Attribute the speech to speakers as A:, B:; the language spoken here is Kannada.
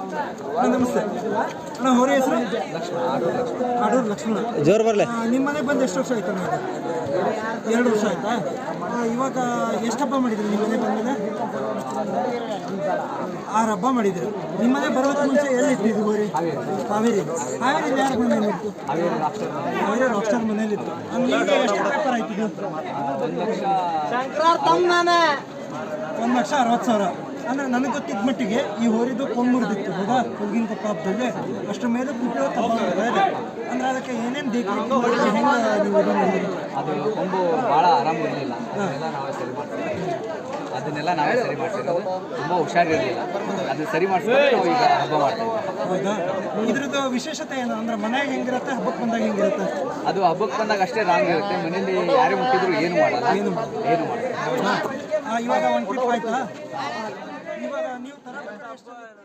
A: ಅಣ್ಣ ನಮಸ್ತೆ ಅಣ್ಣ ಹೊರ ಹೆಸರು ಆಡೂರು ಲಕ್ಷ್ಮಣ
B: ಜೋರು ಬರಲೆ
A: ನಿಮ್ಮ ಮನೆಗೆ ಬಂದು ಎಷ್ಟು ವರ್ಷ ಆಯ್ತು ಅಣ್ಣ 2 ವರ್ಷ ಆಯ್ತಾ ಇವಾಗ ಎಷ್ಟು ಹಬ್ಬ ಮಾಡಿದ್ರಿ ನಿಮ್ಮ ಮನೆಗೆ ಬಂದಮೇಲೆ 6 ಹಬ್ಬ ಮಾಡಿದ್ರು ನಿಮ್ಮ ಮನೆಗೆ ಬರೋದಕ್ಕೆ ಮುಂಚೆ ಎಲ್ಲಿತ್ತು ಇದು ಹೋರಿ ಹಾವೇರಿ ಹಾವೇರಿಯಲ್ಲಿ ಯಾರು ಮನೇಲಿತ್ತು ಹಾವೇರಿ ರಾಕ್ಸ್ಟಾರ್ ಮನೇಲಿತ್ತು ಈಗ ಎಷ್ಟು ವ್ಯಾಪಾರ ಆಯ್ತು ಇದು 1,60,000 ಅಂದರೆ ನನಗೆ ಗೊತ್ತಿದ್ದ ಮಟ್ಟಿಗೆ ಈ ಹೋರಿದು ಕೊಂಬುರ್ದಿತ್ತು ಹೌದಾ ಹುಡುಗಿನ ಕೊಪ್ಪ ಹಬ್ಬದಲ್ಲಿ ಅಷ್ಟರ ಮೇಲೆ ಕುಟ್ಟೋ ಹಬ್ಬ ಇದೆ ಅಂದರೆ ಅದಕ್ಕೆ ಏನೇನು ಬೇಕು ಹೆಂಗೆ ನೀವು ಇದು ಮಾಡಿದ್ರಿ
C: ಅದು ಕೊಂಬು ಭಾಳ ಆರಾಮ ಇರಲಿಲ್ಲ ಅದನ್ನೆಲ್ಲ ನಾವೇ ಸರಿ ಮಾಡ್ತಿರೋದು ತುಂಬ ಹುಷಾರಿರಲಿಲ್ಲ ಅದು ಸರಿ ಮಾಡಿಸ್ಕೊಂಡು ನಾವು ಈಗ ಹಬ್ಬ ಮಾಡ್ತೀವಿ.
A: ಹೌದಾ ಇದ್ರದ್ದು ವಿಶೇಷತೆ ಏನು ಅಂದರೆ ಮನೆಯಾಗ ಹೆಂಗಿರುತ್ತೆ ಹಬ್ಬಕ್ಕೆ ಬಂದಾಗ ಹೆಂಗಿರುತ್ತೆ
C: ಅದು ಹಬ್ಬಕ್ಕೆ ಬಂದಾಗ ಅಷ್ಟೇ ರಾಂಗ್ ಇರುತ್ತೆ ಮನೇಲಿ ಯಾರೇ ಮುಟ್ಟಿದ್ರು ಏನು ಮಾಡಲ್ಲ
A: ಇವಾಗ ಒಂದು ಟ್ರಿಪ್ ಆಯ್ತಾ ಇವಾಗ ನೀವು ತರ